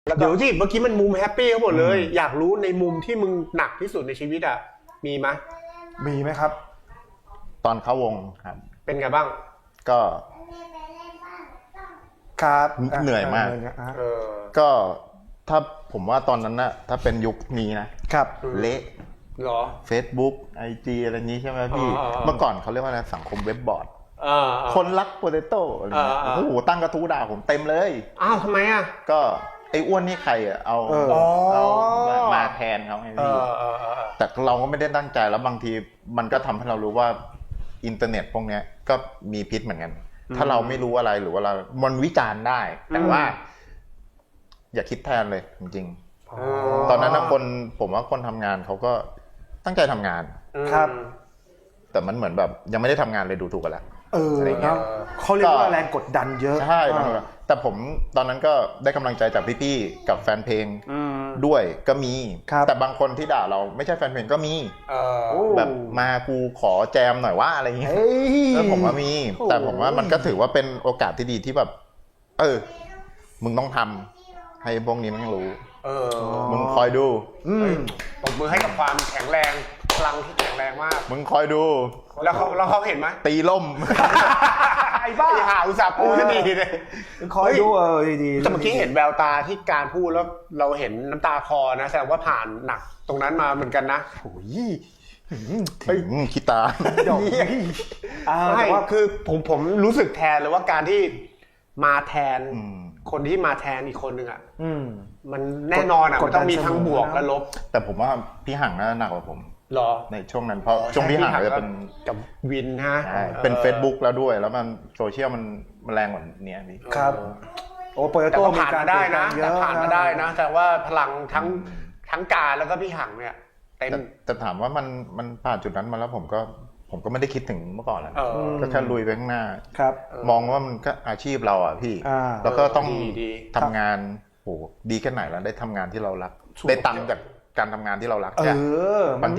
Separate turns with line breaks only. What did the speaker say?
เดี๋ยวที่เมื่อกี้มันมุมแฮปปี้เขาหมดเลยอยากรู้ในมุมที่มึงหนักที่สุดในชีวิตอ่ะมีไหม
ครับ
ตอนเข้าวงครับ
เป็นไงบ้าง
ก็
ครับ
เหนื่อยมากก็ถ้าผมว่าตอนนั้นนะถ้าเป็นยุคนี้นะครับเละ
หรอ
Facebook IG อะไรนี้ใช่ไหมพี่เมื่อก่อนเขาเรียกว่าอะไรสังคมเว็บบอร์ดคนรักโปเตโต้อะไรเงี้ยโอ้โหตั้งกระทู้ด่าผมเต็มเลย
อ้าวทำไมอ่ะ
ก็ไอ้อ้วนนี่ใครอ่ะเอามาแทนเขาไงพี่แต่เราก็ไม่ได้ตั้งใจแล้วบางทีมันก็ทำให้เรารู้ว่าอินเทอร์เน็ตพวกนี้ก็มีพิษเหมือนกันถ้าเราไม่รู้อะไรหรือว่าเรามันวิจารณ์ได้แต่ว่าอย่าคิดแทนเลยจริงๆตอนนั้นผมว่าคนทำงานเขาก็ตั้งใจทำงาน
ครับ
แต่มันเหมือนแบบยังไม่ได้ทำงานเลยดูถูกกันแล้ว
อะไรเงี้ยเขาเรียกว่าแรงกดดันเยอะ
ใช่แต่ผมตอนนั้นก็ได้กำลังใจจากพี่ๆกับแฟนเพลงด้วยก็มีแต่บางคนที่ด่าเราไม่ใช่แฟนเพลงก็มีแบบมากูขอแจมหน่อยว่าอะไรเงี้ยผมว่ามีแต่ผมว่ามันก็ถือว่าเป็นโอกาสที่ดีที่แบบมึงต้องทำให้พวกนี้มันรู้มึงคอยดู
ตบมือให้กับความแข็งแรงพลังที่แข็งแรงมาก
มึงคอยดู
แล้วเขาเห็นไหม
ตีล่ม
ไอ้บ้าหาอุตส่าห์พูดซะดีเลย
คอยดูดี
แต่เมื่อกี้เห็นแววตาที่การพูดแล้วเราเห็นน้ำตาคลอนะแสดงว่าผ่านหนักตรงนั้นมาเหมือนกันนะ
โอ้ยคิดตา
ไม่คือผมรู้สึกแทนเลยว่าการที่มาแทนคนที่มาแทนอีกคนนึงอ่ะมันแน่นอนอ่ะมันต้องมีทั้งบวกและลบ
แต่ผมว่าพี่หังน่าหนักกว่าผม
หรอ
ในช่วงนั้นเพราะช่วงพี่หังจะเป็น
กับวินฮะ
เป็น Facebook แล้วด้วยแล้วมันโซเชียลมันแรงกว่านี้พี่
ครับโอ้โปรโต
ผ่านมาได้นะแต่ผ่านมาได้นะแต่ว่าพลังทั้งการแล้วก็พี่หังเนี่ยเต็ม
แต่ถามว่ามันผ่านจุดนั้นมาแล้วผมก็ไม่ได้คิดถึงเมื่อก่อนแล้วก็แค่ลุยไปข้างหน้า
ม
องว่ามันก็อาชีพเราอ่ะพี่แล้วก็ต้องทำงานโหดีแค่ไหนแล้วได้ทำงานที่เรารักได้ตังค์จากการทำงานที่เรารักเนี่ย